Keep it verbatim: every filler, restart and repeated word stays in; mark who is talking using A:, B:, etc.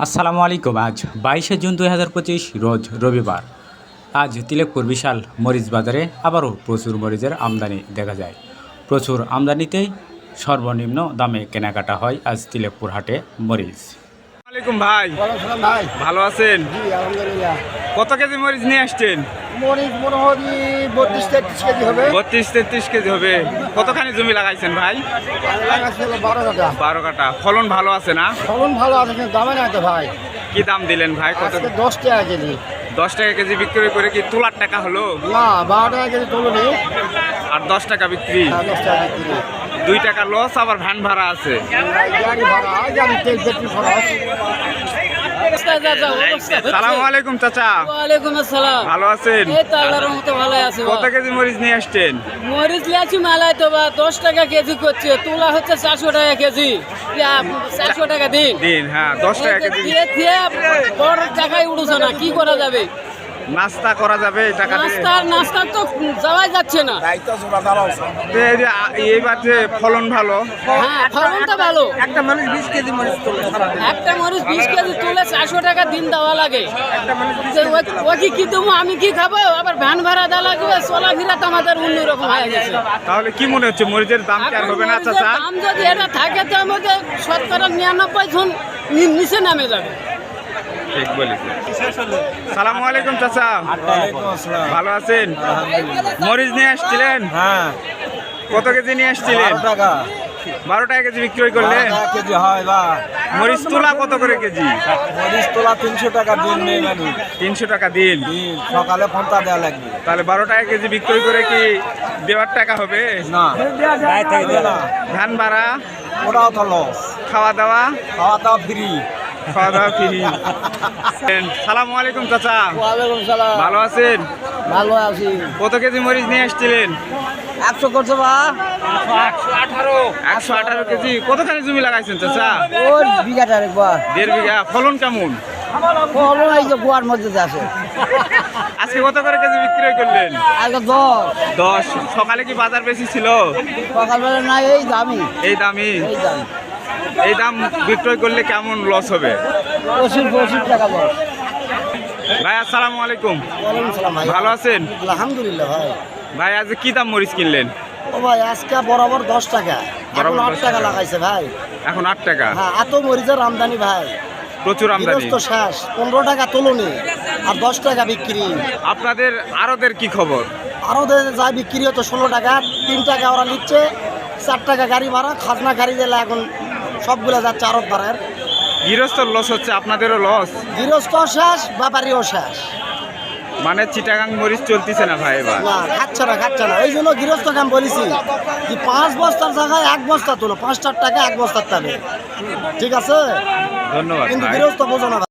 A: আসসালামু আলাইকুম। আজ বাইশে জুন দুই হাজার পঁচিশ রোজ রবিবার। আজ তিলেকপুর বিশাল মরিচ বাজারে আবারও প্রচুর মরিচের আমদানি দেখা যায়। প্রচুর আমদানিতেই সর্বনিম্ন দামে কেনাকাটা হয় আজ তিলেকপুর হাটে মরিচ।
B: আলাইকুম ভাই,
C: ভাই
B: ভালো আছেন?
C: জি আলহামদুলিল্লাহ।
B: কত কেজি মরিচ নিয়ে আসছেন?
C: মরিচ মনে হয় বত্রিশ তেত্রিশ কেজি হবে।
B: বত্রিশ তেত্রিশ কেজি হবে। কতখানি জমি লাগাইছেন ভাই?
C: লাগাচ্ছিল বারো কাটা।
B: বারো কাটা। ফলন ভালো আছে না?
C: ফলন ভালো আছে কিন্তু দামে না তো ভাই।
B: কি দাম দিলেন ভাই? কত?
C: আজকে দশ টাকা কেজি।
B: দশ টাকা কেজি বিক্রি করে কি তোলার টাকা হলো?
C: না বারো টাকা কেজি তুলুনি।
B: আর দশ টাকা বিক্রি,
C: হ্যাঁ, দশ টাকা কেজি।
B: দুই টাকা লস, আবার ভ্যান ভাড়া আছে।
C: গাড়ি ভাড়া গাড়ি তেল পেট্রোল খরচ।
B: সালাম আলাইকুম চাচা,
D: ওয়ালাইকুম আসসালাম।
B: ভালো আছেন?
D: এই তো আল্লাহর রহমতে ভালো আছে।
B: কত কেজি মরিচ নিয়ে আসছেন?
D: মরিচ লিয়াছি মেলায় তো বা দশ টাকা কেজি করছে, তোলা হচ্ছে চারশো টাকা কেজি। ইয়া, চারশো টাকা দিন
B: দিন, হ্যাঁ দশ টাকা কেজি।
D: দিয়ে দিয়ে বড় টাকায় উঠছে না, কি করা যাবে?
B: নাস্তা করা যাবে এই টাকা দিয়ে?
D: নাস্তার নাস্তার তো যাওয়াই যাচ্ছে না।
B: তো এই যে আ- এইবার যে ফলন ভালো,
D: হ্যাঁ ফলনটা ভালো।
C: একটা মানুষ বিশ কেজি মরিচ তোলে সারাদিন।
D: একটা মরিচ বিশ কেজি তুলে চারশো টাকা দিন দেওয়া লাগে। যে ও- ও কি কি দেবো, আমি কি খাবো, আবার ভ্যান ভাড়া দেওয়া লাগবে, চলাফেরা তো আমাদের অন্যরকম হয়ে গেছে।
B: তাহলে কি মনে হচ্ছে মরিচের দাম কি আর
D: এখন
B: হবে না
D: মরিচের
B: চাচা?
D: দাম যদি এটা থাকে তো আমাদের শতকরা নিরানব্বই জন নি- নিচে নামে যাবে।
B: ঠিক বলেছেন। সালামু আলাইকুম চাচা, ভালো আছেন? মরিচ নিয়ে আসছিলেন?
C: হ্যাঁ
B: কত কেজি নিয়ে আসছিলেন?
C: টাকা
B: বারো টাকা কেজি বিক্রি করলেন।
C: কেজি হয় বা
B: মরিচ তোলা কত করে কেজি?
C: মরিচ তোলা তিনশো টাকা দিন নেই মানে
B: তিনশো টাকা দিন।
C: সকালে ফোনটা দেওয়া লাগবে।
B: তাহলে বারো টাকা কেজি বিক্রি করে কি দেওয়ার টাকা হবে?
C: না
B: ধান ভাড়া,
C: ওটাও তো লস।
B: খাওয়া দাওয়া?
C: খাওয়া দাওয়া ফ্রি।
B: খাওয়া দাওয়া ফ্রি। সালামু আলাইকুম চাচা,
C: ওয়ালাইকুম সালাম।
B: ভালো আছেন?
C: ভালো আছি।
B: কত কেজি মরিচ নিয়ে আসছিলেন?
C: একশো করছো বা
B: একশো আঠারো কেজি। কতখানি জমি লাগাইছেন চাচা?
C: ওর বিঘাটা একবার
B: দেড় বিঘা। ফলন কেমন?
C: ফলন এই যে গোয়ার মধ্যে আছে।
B: আজকে কত করে কেজি বিক্রি করলেন?
C: আগে দশ
B: দশ। সকালে কি বাজার বেশি ছিল?
C: সকালবেলা না এই দামি
B: এই দামি?
C: এই দাম
B: এই দাম বিক্রয় করলে কেমন লস হবে?
C: পঁচিশ পঁচিশ টাকা বস।
B: ভাই আসসালামু আলাইকুম,
C: ওয়ালাইকুম সালাম ভাই।
B: ভালো আছেন?
C: আলহামদুলিল্লাহ ভাই।
B: ভাই আজ কি দাম মরিচ কিনলেন?
C: ও ভাই আজকে বরাবর দশ টাকা,
B: বরাবর
C: এখন আট
B: দশ
C: টাকা
B: টাকা।
C: লাগাইছে ভাই।
B: এখন আট টাকা।
C: হ্যাঁ এত মরিচের আমদানি ভাই,
B: প্রচুর আমদানি।
C: গৃহস্থ শেষ। পনেরো টাকা তুলনি আর দশ টাকা বিক্রি।
B: আপনাদের আরদের কি খবর?
C: আরও যা বিক্রি হতো ষোলো টাকা, তিন টাকা ওরা নিচ্ছে, চার টাকা গাড়ি ভাড়া, খাজনা গাড়ি দিলে এখন সবগুলো যাচ্ছে আরব ভাড়ার।
B: গৃহস্থর লস হচ্ছে, আপনাদেরও লস।
C: গৃহস্থ শেষ, ব্যাপারীও শেষ।
B: মানে চিটাগাং মরিচ চলতেছে না ভাই এবার।
C: না খাচ্ছে না খাচ্ছে না, এই জন্য গৃহস্থ কাম বলেছি যে পাঁচ বস্তার জায়গায় এক বস্তা তুলো, পাঁচ চার টাকা এক বস্তার টানে, ঠিক আছে?
B: ধন্যবাদ
C: কিন্তু
B: ভাই।
C: গৃহস্থ বোঝো না।